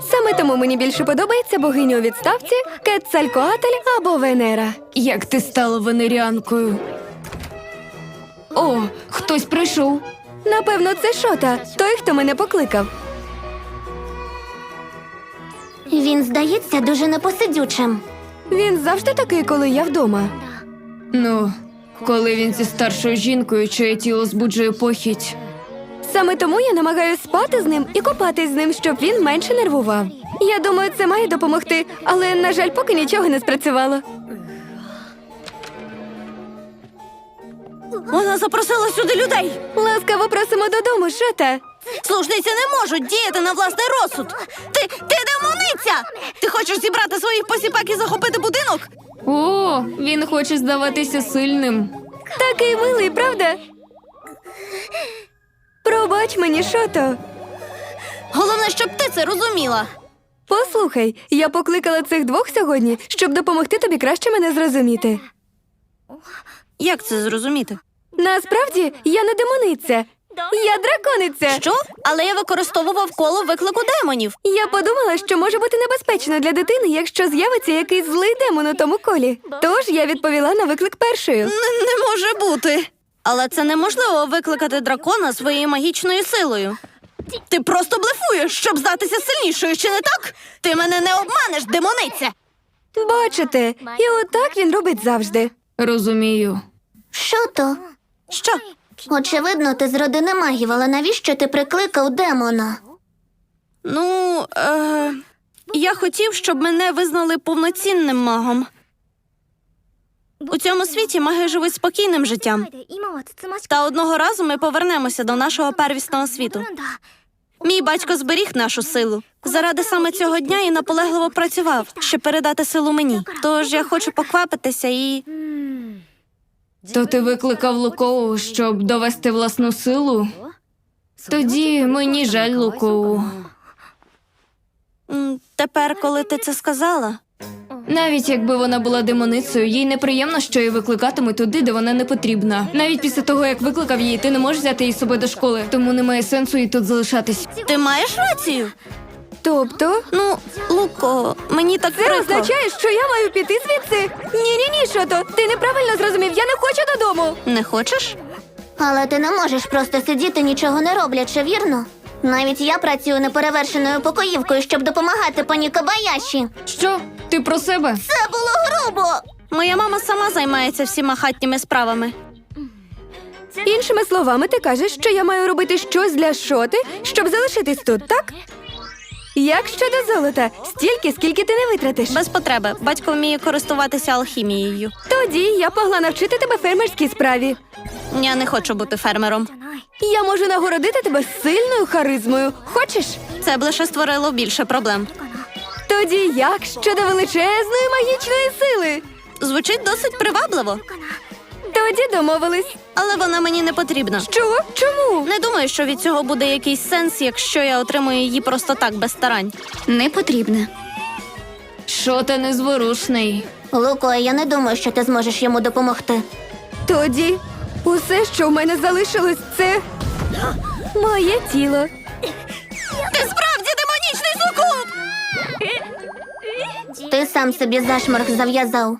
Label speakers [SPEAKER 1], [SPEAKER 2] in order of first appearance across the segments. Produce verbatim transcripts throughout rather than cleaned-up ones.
[SPEAKER 1] Саме тому мені більше подобається богиня у відставці, Кецалькоатль або Венера.
[SPEAKER 2] Як ти стала венеріанкою? О, хтось прийшов.
[SPEAKER 1] Напевно, це Шота, той, хто мене покликав.
[SPEAKER 3] Він здається дуже непосидючим.
[SPEAKER 1] Він завжди такий, коли я вдома.
[SPEAKER 2] Ну, коли він зі старшою жінкою, чиє тіло збуджує похідь.
[SPEAKER 1] Саме тому я намагаюся спати з ним і купатись з ним, щоб він менше нервував. Я думаю, це має допомогти, але, на жаль, поки нічого не спрацювало.
[SPEAKER 4] Вона запросила сюди людей.
[SPEAKER 1] Ласкаво просимо додому, Шота.
[SPEAKER 4] Служниці не можуть діяти на власний розсуд. Ти, ти демониця! Ти хочеш зібрати своїх посіпак і захопити будинок?
[SPEAKER 2] О, він хоче здаватися сильним.
[SPEAKER 1] Такий милий, правда? Пробач мені, Шото.
[SPEAKER 4] Головне, щоб ти це розуміла.
[SPEAKER 1] Послухай, я покликала цих двох сьогодні, щоб допомогти тобі краще мене зрозуміти.
[SPEAKER 4] Як це зрозуміти?
[SPEAKER 1] Насправді, я не демониця. Я дракониця.
[SPEAKER 4] Що? Але я використовував коло виклику демонів.
[SPEAKER 1] Я подумала, що може бути небезпечно для дитини, якщо з'явиться якийсь злий демон у тому колі. Тож я відповіла на виклик першою.
[SPEAKER 4] Не, не може бути. Але це неможливо викликати дракона своєю магічною силою. Ти просто блефуєш, щоб здатися сильнішою, чи не так? Ти мене не обманеш, демониця!
[SPEAKER 1] Бачите, і отак він робить завжди.
[SPEAKER 2] Розумію.
[SPEAKER 3] Що то?
[SPEAKER 4] Що?
[SPEAKER 3] Очевидно, ти з родини магів, але навіщо ти прикликав демона?
[SPEAKER 4] Ну, е... я хотів, щоб мене визнали повноцінним магом. У цьому світі маги живуть спокійним життям. Та одного разу ми повернемося до нашого первісного світу. Мій батько зберіг нашу силу. Заради саме цього дня і наполегливо працював, щоб передати силу мені. Тож я хочу поквапитися і...
[SPEAKER 2] То ти викликав Лукову, щоб довести власну силу? Тоді мені жаль Лукову.
[SPEAKER 4] м, Тепер, коли ти це сказала...
[SPEAKER 2] Навіть якби вона була демоницею, їй неприємно, що її викликатимуть туди, де вона не потрібна. Навіть після того, як викликав її, ти не можеш взяти її з собою до школи, тому немає сенсу їй тут залишатись.
[SPEAKER 4] Ти маєш рацію?
[SPEAKER 1] Тобто,
[SPEAKER 4] Ну, Луко, мені так
[SPEAKER 1] це
[SPEAKER 4] прикро.
[SPEAKER 1] означає, що я маю піти звідси? Ні-ні-ні, Шото, ти неправильно зрозумів, я не хочу додому.
[SPEAKER 4] Не хочеш?
[SPEAKER 3] Але ти не можеш просто сидіти, нічого не роблячи, вірно? Навіть я працюю неперевершеною покоївкою, щоб допомагати пані Кабаяші.
[SPEAKER 2] Що? Ти про себе?
[SPEAKER 3] Це було грубо!
[SPEAKER 4] Моя мама сама займається всіма хатніми справами.
[SPEAKER 1] Іншими словами, ти кажеш, що я маю робити щось для Шоти, щоб залишитись тут, так? Як щодо золота? Стільки, скільки ти не витратиш.
[SPEAKER 4] Без потреби. Батько вміє користуватися алхімією.
[SPEAKER 1] Тоді я могла навчити тебе фермерській справі.
[SPEAKER 4] Я не хочу бути фермером.
[SPEAKER 1] Я можу нагородити тебе сильною харизмою. Хочеш?
[SPEAKER 4] Це б лише створило більше проблем.
[SPEAKER 1] Тоді як щодо величезної магічної сили?
[SPEAKER 4] Звучить досить привабливо,
[SPEAKER 1] Тоді домовились.
[SPEAKER 4] але вона мені не потрібна.
[SPEAKER 1] Що? Чому?
[SPEAKER 4] Не думаю, що від цього буде якийсь сенс, якщо я отримую її просто так, без старань.
[SPEAKER 3] Не потрібно.
[SPEAKER 2] Що ти незворушний?
[SPEAKER 3] Луко, я не думаю, що ти зможеш йому допомогти.
[SPEAKER 1] Тоді усе, що в мене залишилось, це моє тіло.
[SPEAKER 4] Ти справді демонічний сукуб!
[SPEAKER 3] Ти сам собі зашморг зав'язав.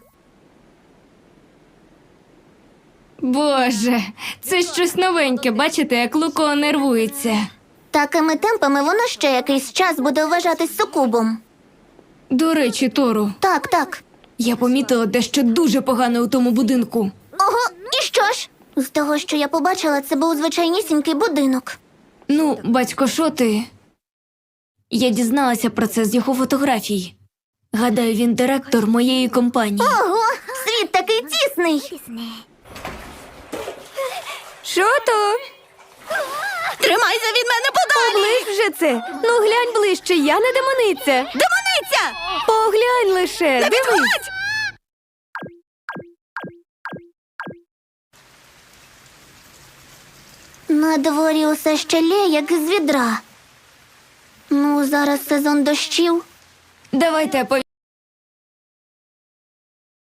[SPEAKER 2] Боже, це щось новеньке, бачите, як Луко нервується.
[SPEAKER 3] Такими темпами воно ще якийсь час буде вважатись сукубом.
[SPEAKER 2] До речі, Тору,
[SPEAKER 3] Так, так.
[SPEAKER 2] я помітила дещо дуже погане у тому будинку.
[SPEAKER 3] Ого, і що ж? З того, що я побачила, це був звичайнісінький будинок.
[SPEAKER 2] Ну, батько Шоти... Я дізналася про це з його фотографій. Гадаю, він директор моєї компанії.
[SPEAKER 3] Ого, світ такий тісний.
[SPEAKER 1] Шото,
[SPEAKER 4] Тримайся від мене подалі!
[SPEAKER 1] оближ вже це. Ну глянь ближче, я не демониця.
[SPEAKER 4] Демониця!
[SPEAKER 1] Поглянь лише, дивись.
[SPEAKER 4] Відходь!
[SPEAKER 3] На дворі усе ще лє, як з відра. Ну, зараз сезон дощів.
[SPEAKER 2] Давайте